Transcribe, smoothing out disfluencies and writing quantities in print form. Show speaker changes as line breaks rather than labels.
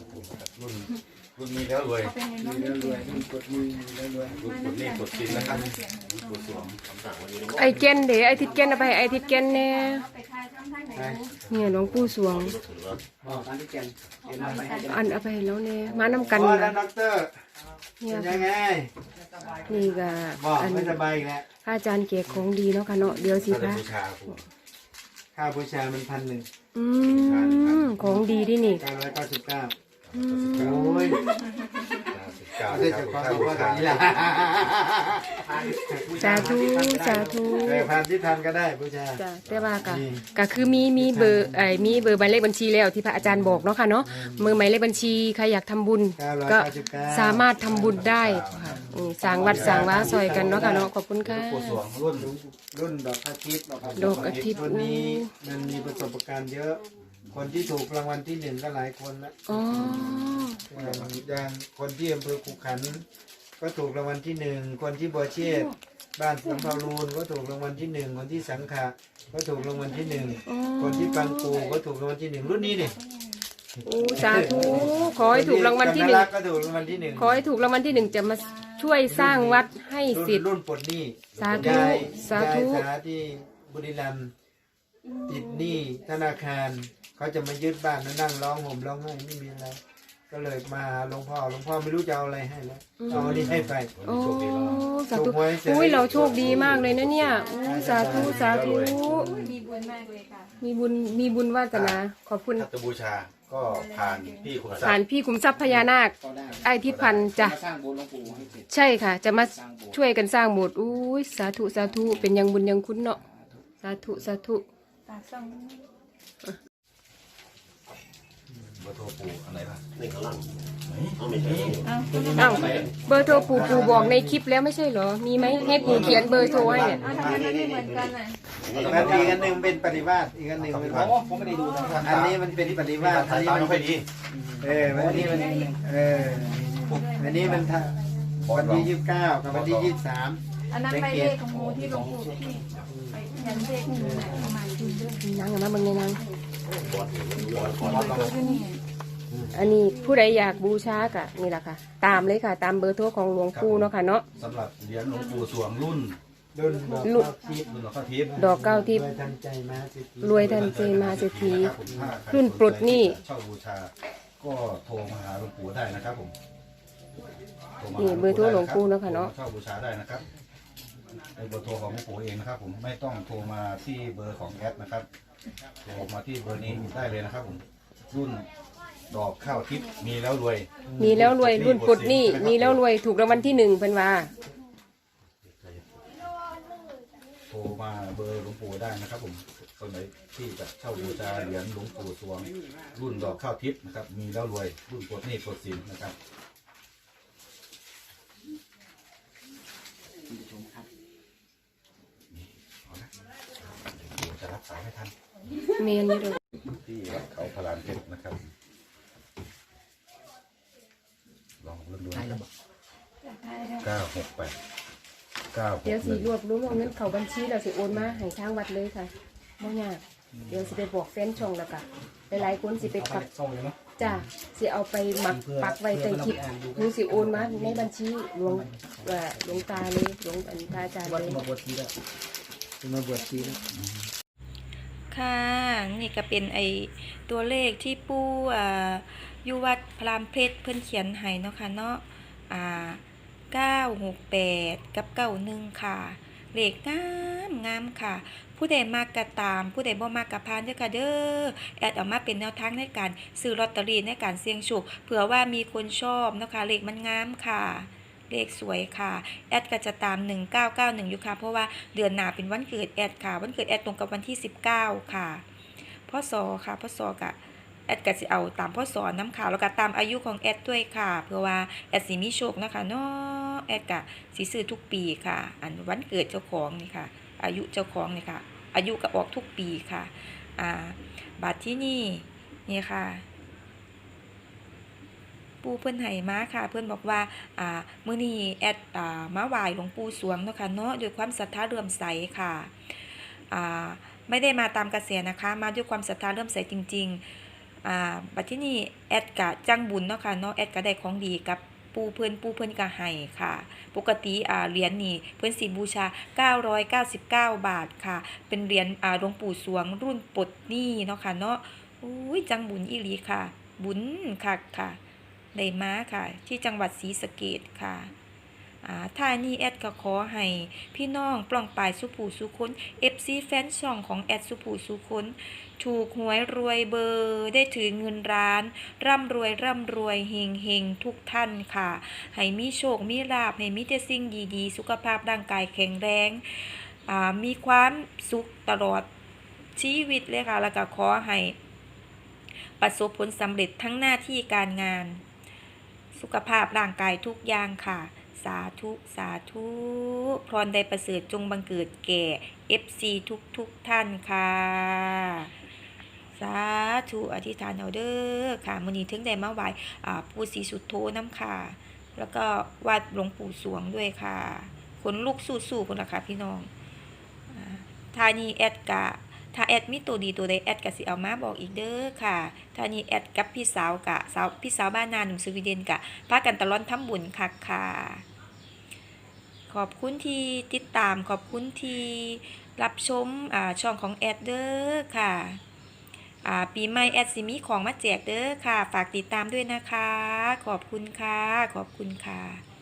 รุ่นมีแล้วรวย
มีแล้วรวยรุ่นกดมีแล้วรวย
รุ่นกดนี่กดสินนะครับกดสวมคำสั่งวันนี้
ไอเกนเดี๋ยวไอทิดเกนเอาไปไอทิดเกนเนี่ยเนี่ยหลวงปู่สวง
บอกอันที่แกนเห็นไหมให้
อันเอาไปให้แล้วเนี่ยมานำกัน
พอ
นะ
แล้วด็อกเตอร์
เนี่ย
เป็นยังไง
นี่ก็
บอก
อัน
ไม่สบายอีกแล้ว
พระอาจารย์เก๋ของดีเนาะค่ะเนาะเดี๋ยวสิ
ถ้าจะ
คะ
บูชาผม
ค่าบูชามัน1,100
ของดีดินี่
999
อืม
โอ้ย
เก้า
ไม่
ค
ใช่
รับ
เฉพาะ
ถ้า
เฉ
บู
พาะตร
ชาง
นี้แหละ
สาธุสาธุ
พันที่ทันก็ได้บูชา
จ้ะแต่ว่าก็คือมีเบอร์มีเบอร์หมายเลขบัญชีแล้วที่พระอาจารย์บอกเนาะค่ะเนาะมือหมายเลขบัญชีใครอยากทำบุญก็สามารถทำบุญได้ค่ะสร้างวัดสร้างว่าซอยกันเนาะค่ะเนาะขอบคุณค่ะ
กดสวมรุ่น
รุ่นดอกอาทิตย์
ดอกอาทิตย์
รุ่นนี้มันมีประสบการณ์เยอะ คนที่ถูกรางวัลที่1ก็หลายคนละ
อ๋อ
อย่างคนที่อำเภอขุขันธ์ก็ถูกรางวัลที่1คนที่บัวเชษฐ์บ้านสัมภารูนก็ถูกรางวัลที่1คนที่สังขะก็ถูกรางวัลที่1คนที่ปังปูก็ถูกรางวัลที่1รุ่นนี้นี่
โอ้สาธุขอให้ถูกรางวัลที่หนึ่ง
ก็ถูกรางวัลที่1
ขอให้ถูกรางวัลที่หนึ่งจะมาช่วยสร้างวัดให้สิทธิ์
รุ่นปลดหนี้
สาธุ
ยาย
สาธุ
ยายสาที่บุรีรัมย์ติดหนี้ธนาคารเขาจะมายึดบ้านนั่งร้องห่มร้องไห้ไม่มีอะไร ก็เลยมาหาหลวงพ่อไม่รู้จะเอาอะไรให้แล้วเอาอันนี้ให้ไป
โอ้สาธุ
ถูกหวยเสร็จ
อุ้ยเราโชคดีมากเลยนะเนี่ยอู้สาธุสาธุ
มีบุญมากเลยค่ะ
มีบุญวาสนาขอบคุณ
ถ้าจะบูชาก็ผ่านพี่คุณศัก
ผ่าน
ดิ์
พี่ขุมทรัพย์พญานาค ไอ้ทิศพันธ์จ้ะ
สร้างโบสถ์หลวงปู่ให้เสร็จ
ใช่ค่ะ จะมาช่วยกันสร้างโบสถ์อุ้ยสาธุสาธุเป็นยังบุญยังคุณเนาะสาธุสาธุ
ตาส่อง
เบอร์โทรปู่อะไรล่ะ
อ้าวเบอร์โทรปู่บอกในคลิปแล้วไม่ใช่เหรอมีไหมให้ปู่เขียนเบอร์โทรให้เนี่ย
ทำไมมันไม่เหมือนกันอ่ะ
อีกอันหนึ่งเป็นปฏิวาสอีกอันหนึ่งเป็นผมไม่ได้ดูอันนี้มันเป็นปฏิวาส
สายตาไม่ค่อยดี
อันนี้มันอันนี้มันวันที่29กับวันที่23
อันนั้นไปเลขของหมูที่หลวงปู่ที่ไปยันเลขหมูนะประมาณจุดเด้อ
นั่งกันมาเบิ่งในนั่ง
ที่นี่
อันนี้ผู้ใดอยากบูชากะนี่แหละค่ะ ตามเลยค่ะ ตามเบอร์โทรของหลวงปู่เนาะค่ะเนาะ
สำหรับเหรียญหลวงปู่สวงรุ่น
รุ่นดอกทิพย์
รุ่นหลวงพ่อทิพย์
ดอกเก้าทิพ
ร
ย์
วยทันใจมาสิ
รวยทันใจมาเศรษฐี
ครับผมถ้าใค
รุ่นปลดหนี้
เช่าบูชา ก็โทรมาหาหลวงปู่ได้นะครับผมโทรมา
นี่
หา
เบอร์โทรหลวงปู่เนาะค่ะเนาะ
เช่าบูชาได้นะครับเป็นเบอร์โทรของหลวงปู่เองนะครับผมไม่ต้องโทรมาที่เบอร์ของแอดนะครับโทรมาที่เบอร์นี้ได้เลยนะครับผมรุ่นดอกข้าวทิพย์มีแล้วรวย
มีแล้วรวยรุ่นปลดหนี้มีแล้วรวยถูกรางวัลที่1เพิ่นว่า
โทรมาเบอร์หลวงปู่ได้นะครับผมคนไหนที่จะเช่าบูชาเหรียญหลวงปู่สวง รุ่นดอกข้าวทิพย์นะครับ มีแล้วรวยรุ่นปลดหนี้ปลดสินนะครับเอาละเดี๋ยวจะรับสายไม่ทัน
เมียนอยู่เด้อ
ที่วัดเขาพลานเพชรนะครับ ลองเริ่มดูนะครับ968
เดี๋ยวสิร
961
วบรวมเงินเข้าบัญชีแล้วสิโอนมาให้ทางวัดเลยค่ะบ่ยากเดี๋ยวสิไปบอกแฟนช่องแล้วก็หลายๆคนสิไปปักจ้าสิเอาไปหมักปักไว้ใต้คลิปหนูสิโอนมาในบัญชีหลวงตาเลยหลวงอันพระอาจารย์เลย
มาบวชทีแล้วมาบวชทีแล้ว
ค่ะนี่ก็เป็นไอตัวเลขที่ปู่อยู่วัดพรามเพชรเพิ่นเขียนให้เนาะค่ะเนาะ968กับ91ค่ะเลขงามค่ะ ผู้ใดมากกะตามผู้ใดบ่มากกะพานเด้อค่ะเด้อแอดออกมาเป็นแนวทางในการซื้อลอตเตอรี่ในการเสี่ยงโชคเผื่อว่ามีคนชอบเนาะค่ะเลขมันงามค่ะ เลขสวยค่ะแอดก็จะตาม1991อยู่ค่ะเพราะว่าเดือนหน้าเป็นวันเกิดแอดค่ะวันเกิดแอดตรงกับวันที่19ค่ะพศค่ะพศกะแอดก็สิเอาตามพศน้ำข่าวแล้วก็ตามอายุของแอดด้วยค่ะเพื่อว่าแอดสิมีโชคนะคะเนาะแอดก็สิซื้อทุกปีค่ะอันวันเกิดเจ้าของนี่ค่ะอายุเจ้าของนี่ค่ะอายุก็ออกทุกปีค่ะบัตรที่นี่ค่ะ ปูเพิ่นให้มาค่ะเพิ่นบอกว่ามื้อนี้แอดมาไหว้หลวงปู่สวงเนาะค่ะเนาะด้วยความศรัทธาเลื่อมใสค่ะไม่ได้มาตามกระแสนะคะมาด้วยความศรัทธาเลื่อมใสจริงบัดที่นี่แอดกะจังบุญเนาะค่ะเนาะแอดก็ได้ของดีกับปูเพิ่นก็ให้ค่ะปกติเหรียญนี่เพิ่นสิบูชา999บาทค่ะเป็นเหรียญหลวงปู่สวงรุ่นปลดหนี้เนาะค่ะเนาะอุ้ยจังบุญอีหลีค่ะบุญคักค่ะได้มาค่ะที่จังหวัดศรีสะเกษค่ะท่านี้แอดก็ขอให้พี่น้องปล่องปลายสุผู้สุคน FC แฟนช่องของแอดสุผู้สุคนถูกหวยรวยเบอร์ได้ถือเงินร้านร่ำรวยเฮงทุกท่านค่ะให้มีโชคมีลาภให้มีแต่สิ่งดีๆสุขภาพร่างกายแข็งแรงมีความสุขตลอดชีวิตเลยค่ะแล้วก็ขอให้ประสบผลสำเร็จทั้งหน้าที่การงานสุขภาพร่างกายทุกอย่างค่ะสาธุพรใดประเสริฐจงบังเกิดแก่ FC ทุกท่านค่ะสาธุอธิษฐานเอาเด้อค่ะมื้อนี้ถึงได้มาไหว้ปู่ศรีสุโธนำค่ะแล้วก็วัดหลวงปู่สวงด้วยค่ะขนลุกสู้ๆพุ่นล่ะค่ะพี่น้องทานี้แอดกะถ้าแอดมีตัวดีตัวใดแอดก็สิเอามาบอกอีกเด้อค่ะทานี้แอดกับพี่สาวพี่สาวบ้านนาหนุ่มสวีเดนกะพากันตะล่อนทำบุญคักค่ะขอบคุณที่ติดตามขอบคุณที่รับชมช่องของแอดเด้อค่ะปีใหม่แอดสิมีของมาแจกเด้อค่ะฝากติดตามด้วยนะคะขอบคุณค่ะ